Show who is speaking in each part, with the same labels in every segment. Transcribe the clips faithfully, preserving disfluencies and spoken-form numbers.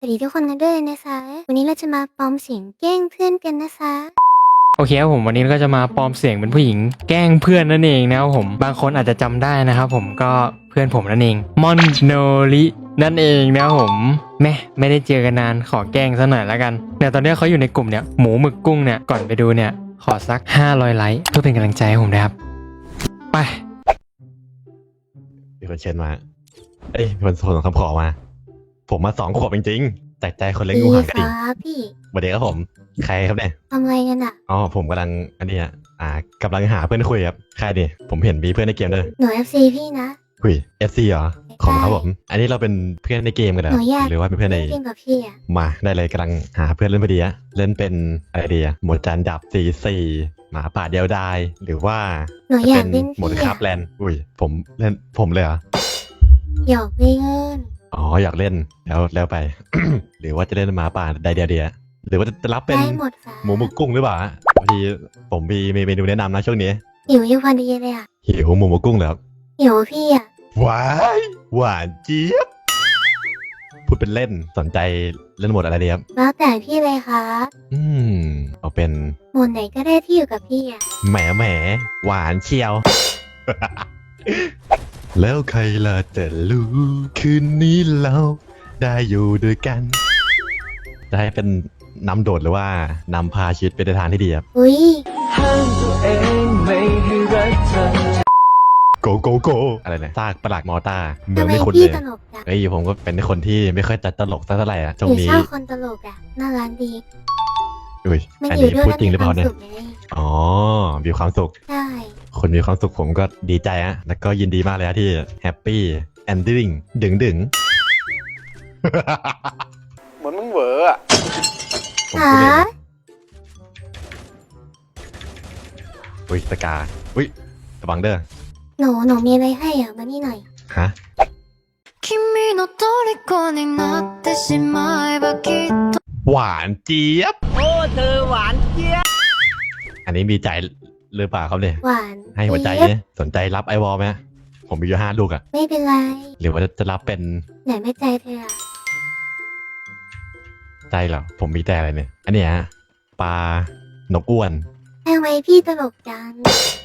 Speaker 1: สวัสดีทุกคนกันด้วยนะคะวันนี้เราจะมาปลอมเสียงแกล้งเพื่อนกันนะคะ
Speaker 2: โอเคครับผมวันนี้ก็จะมาปลอมเสียงเป็นผู้หญิงแกล้งเพื่อนนั่นเองนะครับผมบางคนอาจจะจำได้นะครับผมก็เพื่อนผมนั่นเองมอนโนรินั่นเองนะครับผมแม่ไม่ได้เจอกันนานขอแกล้งซะหน่อยแล้วกันเนี่ยตอนนี้เขาอยู่ในกลุ่มเนี่ยหมูหมึกกุ้งเนี่ยก่อนไปดูเนี่ยขอสักห้าร้อยไลค์เพื่อเป็นกำลังใจให้ผมนะครับไป
Speaker 3: มีคนเชิญมาเอ้ยมีคนส่งคำขอมาผมมาสองขวบจริงๆแต่ใจคนเล็กงู
Speaker 1: ดี
Speaker 3: ห่างกระ
Speaker 1: ค
Speaker 3: ดิ่ง
Speaker 1: รับพี่
Speaker 3: สวัสดีครับผมใครครับเนี่ย
Speaker 1: ทำอะไรกันอ่ะ
Speaker 3: อ๋อผมกำลังอันนี้อ่ะอ่ากำลังหาเพื่อนคุยครับใครดิผมเห็นมีเพื่อนในเกมด้วย
Speaker 1: หนูเอฟซีพี่นะ
Speaker 3: คุย เอฟ ซี เหรอของครับผมอันนี้เราเป็นเพื่อนในเกมกันเหร
Speaker 1: ห
Speaker 3: อ
Speaker 1: นูอยาก
Speaker 3: หรือว่าเป็นเพื่อนใน
Speaker 1: เล่นเกมกับพี่อ่ะ
Speaker 3: มาได้เลยกำลังหาเพื่อนเล่นพอดีอะเล่นเป็นอะไรดีอะหมวดจานดับสี่สี่หมาป่าเดียวดายหรือว่า
Speaker 1: หนูอยากเล่น
Speaker 3: หมวด
Speaker 1: พี่
Speaker 3: คา
Speaker 1: อ่ะ
Speaker 3: บแลนด์อุ้ยผมเล่นผมเลยเหรอ
Speaker 1: หยอกเล่น
Speaker 3: อ๋ออยากเล่นแล้วแล้วไป หรือว่าจะเล่นหมาป่าใดเดียวเดียหรือว่าจะรับเป็น
Speaker 1: ได้หมดค่ะ
Speaker 3: หมูหมึกกุ้งหรือเปล่าบางทีผมมีมีเมนูแนะนำนะช่วงนี้
Speaker 1: หิวอยู่พอดีเลยอ่ะ
Speaker 3: หิวหมูหมึกกุ้งเหรอครับ
Speaker 1: หิวพี่อ่ะ
Speaker 3: หวานหวานเจี๊ยบพูดเป็นเล่นสนใจเล่นหมดอะไรดีครับ
Speaker 1: แล้วแต่พี่เลยครับ
Speaker 3: อืมเอาเป็น
Speaker 1: หมดไหนก็ได้ที่อยู่กับพี่อ่ะ
Speaker 3: แหมแหมหวานเชียว แล้วใครล่ะจะรู้คืนนี้เราได้อยู่ด้วยกันจะให้เป็นนำโดดหรือว่านำพาชีวิตไปในทางที่ดีครับ
Speaker 1: อุ้ย
Speaker 3: โกโกโกอะไรนะซากประหลาดมอต้าเมือ
Speaker 1: ทำ
Speaker 3: ง
Speaker 1: ไม
Speaker 3: ไม่คุ้น
Speaker 1: พี่
Speaker 3: เลย
Speaker 1: ตลกจัง
Speaker 3: เอ้ยผมก็เป็นคนที่ไม่ค่อยจะตลกสักเท่าไหร่อะช่ว
Speaker 1: ห
Speaker 3: ง
Speaker 1: นู
Speaker 3: นี้
Speaker 1: ชอบคนตลกอ่ะน่ารักดี
Speaker 3: อุ้ย
Speaker 1: มัน
Speaker 3: อัน
Speaker 1: อยู่
Speaker 3: นี้
Speaker 1: ด้วย
Speaker 3: พูด
Speaker 1: แล้ว
Speaker 3: จริ
Speaker 1: มี
Speaker 3: งหรือ
Speaker 1: ค
Speaker 3: เป
Speaker 1: วา
Speaker 3: ล่าม เนี่ย
Speaker 1: สุขไง
Speaker 3: อ๋อมีความสุข
Speaker 1: ใช่
Speaker 3: คนมีความสุขผมก็ดีใจอะแล้วก็ยินดีมากเลยอะที่แฮปปี้แอนดิ้งดึงดึง
Speaker 4: เหมือนมึงเหวออะ
Speaker 3: ผมพูดเล่นนะอุ้ยสกาอุ้ยระวังเด้อ
Speaker 1: หนูหนูมีอะไรให้อ่ะมานี่หน่อย
Speaker 3: ฮะ
Speaker 5: 君の虜になってしまえばきっと
Speaker 3: หวานเจี๊ยบ
Speaker 4: โอ้เธอหวานเจี๊ยบ
Speaker 3: อันนี้มีใจหรือเปล่าครับเนี่ย
Speaker 1: หวาน
Speaker 3: ให้หัวใจ
Speaker 1: เจี๊ยบ
Speaker 3: เนี่ยสนใจรับไอวอลไหมผมมีอยู่ห้าลูกอะ
Speaker 1: ไม่เป็นไร
Speaker 3: หรือว่าจะรับเป็น
Speaker 1: ไหนไม่ใจเธออ่ะ
Speaker 3: ใจเหรอผมมีแต่อะไรเนี่ย อันเนี้ยฮะปลานกอ้วน
Speaker 1: ทำไมพี่ตลกจัง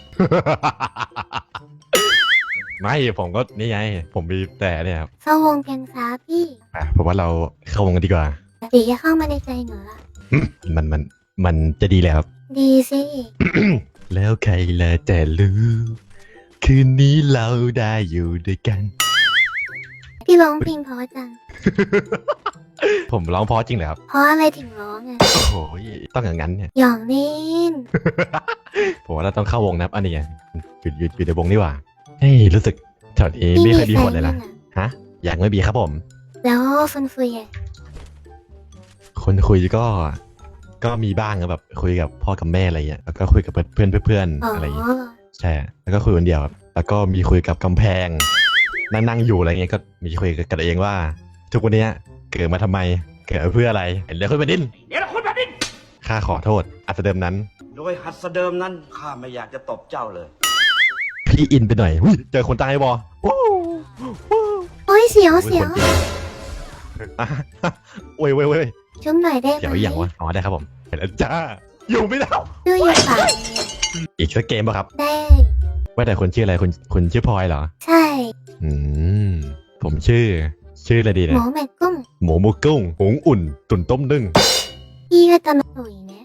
Speaker 3: ไม่ผมก็นี่ไง ผมมีแต่เนี่ยครับ
Speaker 1: เข้าวงกันซาพี่
Speaker 3: อ่ะผมว่าเราเข้าวงกันดีกว่า
Speaker 1: เดี๋ยวจะเข้ามาในใจหนูละ
Speaker 3: มันมันมันจะดีแล้วครับ
Speaker 1: ดีสิ
Speaker 3: แล้วใครละจะรู้คืนนี้เราได้อยู่ด้วยกัน
Speaker 1: พี่ร้องเพลงเพราะจัง
Speaker 3: ผมร้องเพราะจริงเหรอครับ
Speaker 1: เพราะอะไรถึงร้องอ่ะ
Speaker 3: โอ้โหต้องอย่างนั้นเนี่ย
Speaker 1: หยอกเล่น
Speaker 3: ผมว่าเราต้องเข้าวงนะครับอันนี้ไงอยู่อยู่อยู่ในวงนี่หว่าเฮ้ยรู้สึกแถวนี้
Speaker 1: พี่
Speaker 3: ไม่
Speaker 1: มี
Speaker 3: ค่อยมี
Speaker 1: แฟ
Speaker 3: คน
Speaker 1: น
Speaker 3: เลย
Speaker 1: ยั
Speaker 3: นะ
Speaker 1: งอ่ะ
Speaker 3: ฮะยังไม่มีครับผม
Speaker 1: แล้วคนคุยอ่ะ
Speaker 3: คนคุยก็ก็มีบ้างอะแบบคุยกับพ่อกับแม่อะไรเงี้ยแล้วก็คุยกับเพื่อนเพื่อน
Speaker 1: อ๋อ
Speaker 3: ๆอะไรเงี้ยใช่แล้วก็คุยคนเดียวครับแล้วก็มีคุยกับกำแพงนั่งนั่งอยู่อะไรเงี้ยก็มีคุยกับกันเองว่า ทุกวันเนี้ยเกิดมาทำไมเกิดมาเพื่ออะไรเห็นเรื่องคุณแผ่นดิน
Speaker 4: เดี๋ยวนะคุณแผ่นดิน
Speaker 3: ข้าขอโทษอัศเดิมนั้น
Speaker 4: โดยหัสเดิมนั้นข้าไม่อยากจะตบเจ้าเลย
Speaker 3: พี่อินไปหน่อยอุ๊ยเจอคนตายบอวู้วู้
Speaker 1: โอ้ยเสียวเสียว
Speaker 3: อุ๊คนจริงอ่ะโอ้ยโอ้ยโอ้ย
Speaker 1: ชุ่มหน่อยได้ไหม
Speaker 3: เดี๋ยวอีกอย่างวะอ๋อได้ครับผมเห็นแล้วจ้าอยู่ไม่ได้
Speaker 1: ดูอยู่ปาก
Speaker 3: อีกสักเกมป่ะครับ
Speaker 1: ได้
Speaker 3: ว่าแต่คนชื่ออะไรคุณคุณชื่อพลอยเหรอ
Speaker 1: ใช่
Speaker 3: อืมผมชื่อ ชื่ออะไรดี
Speaker 1: ห
Speaker 3: นะ
Speaker 1: มูแม่กุ้ง
Speaker 3: หมูหมูกุ้งหุงอุ่น ตุ่นต้มนึ่ง
Speaker 1: พี่ก็ตลกอยู่นะ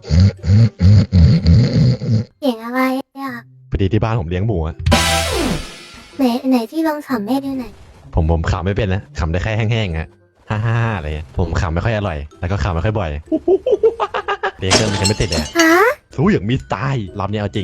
Speaker 1: เสียงอะไรอ่ะ
Speaker 3: พอดีที่บ้านผมเลี้ยงหมูอะ
Speaker 1: ไหนไหนที่ลองขำให้ดูหน่อย
Speaker 3: ผมผมขำไม่เป็นนะขำได้แค่แห้งๆอะฮ่าฮ่าฮ่าอะไรเงี้ยผมขำไม่ค่อยอร่อย แล้วก็ขำไม่ค่อยบ่อยเลี้ยงเครื่องมันยังไม่ติดเลยอะ
Speaker 1: ฮะ
Speaker 3: สู้อย่างมีสไตล์รอบนี้เอาจริง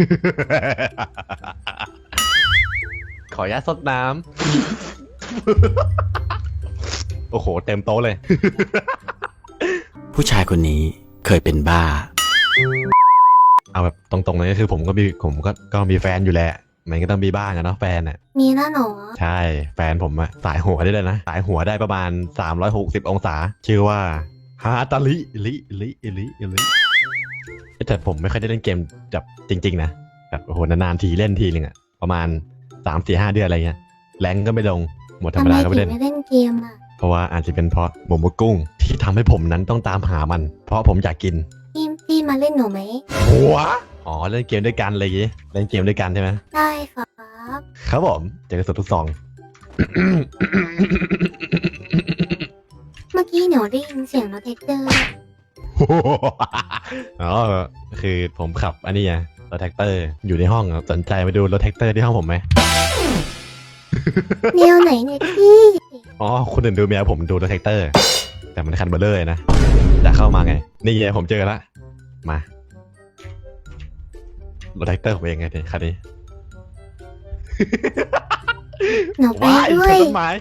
Speaker 3: ขออนุญาตซดน้ำ โอ้โห เต็มโต๊ะเลย
Speaker 6: ผู้ชายคนนี้เคยเป็นบ้า
Speaker 3: เอาแบบตรงๆเลยก็คือผมก็มีผมก็ก็มีแฟนอยู่แหละ มันก็ต้องมีบ้างอะเนาะแฟนอะ
Speaker 1: มีแล้วหนู
Speaker 3: ใช่ แฟนผมอะสายหัวได้เลยนะ สายหัวได้ประมาณสามร้อยหกสิบองศา ชื่อว่าฮาตาลิลิลิลิลิแต่ผมไม่ค่อยได้เล่นเกมแบบจริงๆนะแบบโอ้โหนานๆทีเล่นทีนึงอะประมาณสามสี่ห้าเดือนอะไรเงี้ยแรงก็ไม่ลงหมดธรรม
Speaker 1: ทำไม
Speaker 3: ดาก็
Speaker 1: ถึ
Speaker 3: ไม่
Speaker 1: ง
Speaker 3: เล่น
Speaker 1: ไม่เล่นเกมอ่ะ
Speaker 3: โราะว่าอาจจะเป็นเพราะหมูหมกกุ้งที่ทำให้ผมนั้นต้องตามหามัน เพราะผมอยากกิน
Speaker 1: พี่พี่มาเล่นหนูไหม
Speaker 3: หัวอ๋อเล่นเกมด้วยกันเลยอยางงี้เล่นเกมด้วยกันใช่ไหม
Speaker 1: ได้ครับ
Speaker 3: ครับผมเจอกันสดทุกซอง
Speaker 1: เมื่อกี้หนูได้ยินเสียงรถแท็กเตอร์
Speaker 3: อ๋อคือผมขับอันนี้ไงรถแท็กเตอร์อยู่ในห้องสนใจไปดูรถแท็กเตอร์ที่ห้องผมไหม
Speaker 1: แนวไหนเนี่ยพี่
Speaker 3: อ๋อคนอื่นดูเมียผมดูรถแท็กเตอร์ แต่มันคันเบลเลอร์นะจะเข้ามาไงนี่ไงผมเจอละมารถแท็กเตอร์ผมเองไงเนี่ยคันนี้
Speaker 1: หนูไป
Speaker 3: ว้าย
Speaker 1: ด้ว
Speaker 3: ชน
Speaker 1: ย
Speaker 3: ต้นไม้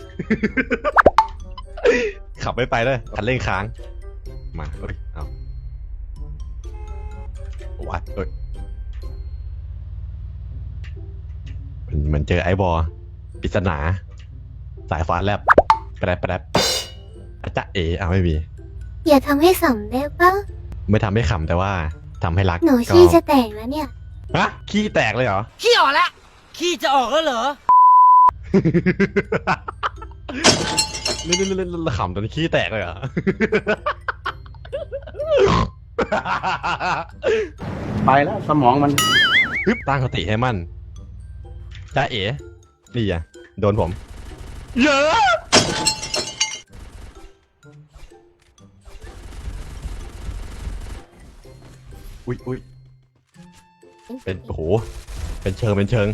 Speaker 3: ขับไม่ไปเลยคันเร่งค้างมาเอ้ยเอาวัดเอ้ยมันมันเจอไอ้บอปริศนา สายฟ้าแลบแปรบแปรบอาจ๊ะเอ๋เอาไม่มี
Speaker 1: อย่าทำให้สำได้ปะ
Speaker 3: ไม่ทำให้ขำแต่ว่าทำให้รัก
Speaker 1: หนู
Speaker 3: ก็
Speaker 1: ชี้จะแตกแล้วเนี่ย
Speaker 3: ฮะขี้แตกเลยเหรอ
Speaker 7: ขี้ออกแล้ว ขี้จะออกแล้วเหรอ
Speaker 3: นี่นี่นี่นี่ขำจนขี้แตกเลยเหรอ
Speaker 4: ไปแล้วสมองมัน
Speaker 3: ฮึบตั้งสติให้มั่นจ้าเอ๋นี่อ่ะโดนผม เยอะอุ้ยอุ้ยเป็นโอ้โหเป็นเชิงเป็นเชิง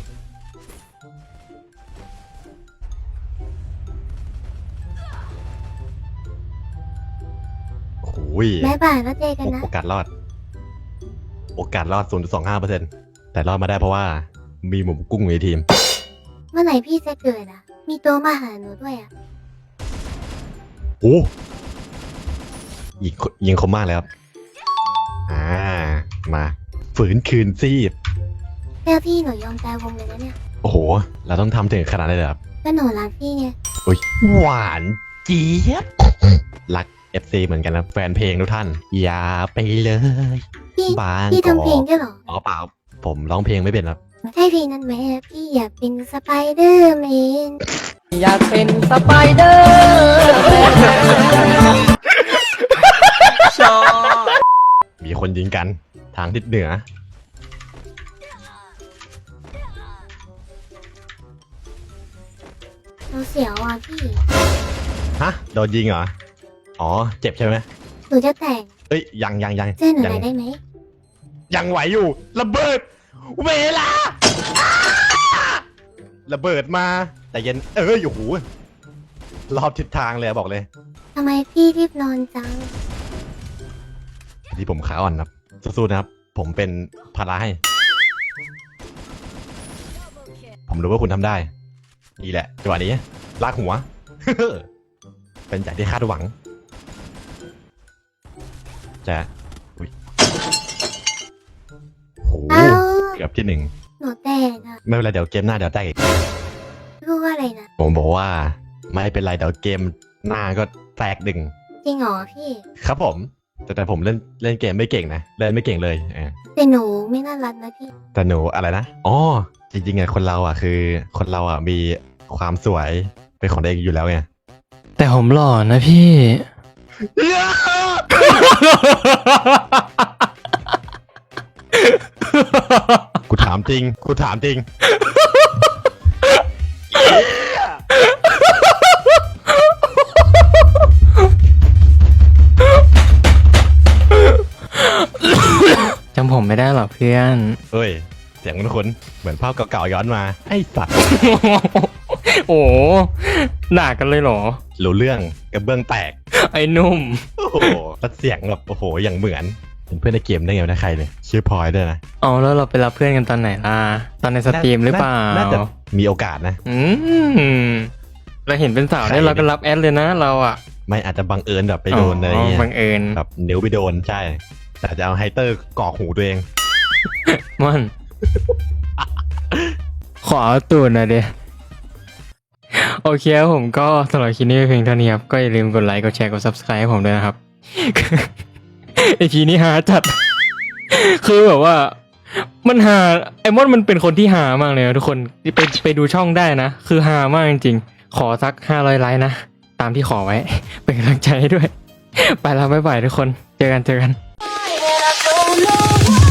Speaker 3: โอ้โห
Speaker 1: บ๊ายบายแล้วเจอกันนะ
Speaker 3: โอกาสรอด โอกาสรอด ศูนย์จุดสองห้าเปอร์เซ็นต์ แต่รอดมาได้เพราะว่ามีหมูกุ้งอยู่ในทีม
Speaker 1: เมื่อไหร่พี่จะเกิดอ่ะ มีตัวมาหาหนูด้วยอ่ะ
Speaker 3: โอ้ยิงยิงคมมากเลยครับ อ่า มา ฝืนคืนซีบ
Speaker 1: แล้วพี่หนูยอมตายวงเลยนะเนี่ย
Speaker 3: โอ้โห เราต้องทำถึงขนาดนั้นเลยเหรอครับ
Speaker 1: ก็หนูรักพี่ไง
Speaker 3: อุ้ย หวานเจี๊ยบ รัก เอฟ ซี เหมือนกันนะ แฟนเพลงทุกท่าน อย่าไปเลย
Speaker 1: พี่
Speaker 3: บาง
Speaker 1: พี่
Speaker 3: กอก
Speaker 1: ทำเพลงด้วยเหรอ
Speaker 3: อ๋อเปล่า ผมร้องเพลงไม่เป็นครับ
Speaker 1: ใช่เพลงนั้นไหมอะพี่อยากเป็นสไปเดอร์แมน
Speaker 7: อยากเป็นสไปเดอร์ชอบ
Speaker 3: มีคนยิงกันทางทิศเหนือ
Speaker 1: หนูเสียวอ่ะพี่
Speaker 3: ฮะ โดนยิงเหรอ อ๋อ เจ็บใช่ไหม
Speaker 1: หนูจะแต่ง
Speaker 3: เอ้ย ยังยังยัง
Speaker 1: เจ้หนูห
Speaker 3: ยั
Speaker 1: น่อยได้ไหม
Speaker 3: ยังไหวอยู่ ระเบิด เวลา ระเบิดมา แต่เย็น เอ้ยโอ้โหรอบทิศทางเลยอะบอกเลย
Speaker 1: ทำไมพี่รีบนอนจัง
Speaker 3: ที่ผมขาอ่อนครับสู้ๆนะครับ ผมเป็นภาระให้ ผมรู้ว่าคุณทำได้นี่แหละจังหวะนี้ลากหัว เป็นจากที่คาดหวัง จะอุ้ยโห
Speaker 1: เอ้า
Speaker 3: เกือบที่หนึ่ง
Speaker 1: หนูแตกอ่ะ
Speaker 3: ไม่เป็นไรเดี๋ยวเกมหน้าเดี๋ยวแตกอีก
Speaker 1: พูดว่าอะไรนะ
Speaker 3: ผมบอกว่าไม่เป็นไรเดี๋ยวเกมหน้าก็แตกดึง
Speaker 1: จริงเหรอพี่
Speaker 3: ครับผม แต่แต่ผมเล่นเล่นเกมไม่เก่งนะเล่นไม่เก่งเลยเออ
Speaker 1: แต่หนูไม่น่ารักนะพี่
Speaker 3: แต่หนูอะไรนะอ๋อจริงๆไงคนเราอ่ะคือคนเราอ่ะมีความสวยเป็นของตัวเองอยู่แล้วไง
Speaker 2: แต่ผมหล่อนะพี่
Speaker 3: กูถามจริงกูถามจริง
Speaker 2: จำผมไม่ได้หรอเพื่อน
Speaker 3: เฮ้ยเสียงคุ้นๆเหมือนภาพเก่าๆย้อนมาไอ้สัตว์
Speaker 2: โอ้หนากันเลยเหรอ
Speaker 3: รู้เรื่องกระเบื้องแตก
Speaker 2: ไอ้นุ่ม
Speaker 3: โอ้โหแล้วเสียงแบบโอ้โหอย่างเหมือนเป็นเพื่อนในเกมได้ไงวะนะใครเลยชื่อพลอยด้วยนะ
Speaker 2: เอาแล้วเราไปรับเพื่อนกันตอนไหนล่ะ ตอนในสตรีมหรือเปล่า
Speaker 3: น่าจะมีโอกาสนะ
Speaker 2: อืมเราเห็นเป็นสาว
Speaker 3: ใคร
Speaker 2: ได้
Speaker 3: เนี่ย
Speaker 2: เราก็รับแอดเลยนะเราอ่ะ
Speaker 3: ไม่อาจจะบังเอิญแบบไปโดนอะไรเงี้ย
Speaker 2: บังเอิญ
Speaker 3: แบบนิ้วไปโดนใช่ แต่จะเอาไฮเตอร์กรอกหูตัวเอง
Speaker 2: มัน ขอเอาตูดหน่อยเดียโอเคครับผมก็สำหรับคลิปนี้เป็นเพียงเท่านี้ครับ ก็อย่าลืมกดไลค์กดแชร์กด ซับสไครบ์ ให้ผมด้วยนะครับ ไอพีนี้หาจัด คือแบบว่า มันหาไอมอนมันเป็นคนที่หามากเลยนะทุกคนไปไปดูช่องได้นะ คือหามากจริงๆ ขอสักห้าร้อยไลค์นะตามที่ขอไว้ เป็นกำลังใจให้ด้วย ไปแล้วบ๊ายบายทุกคน เจอกันเจอกัน
Speaker 5: And I don't know why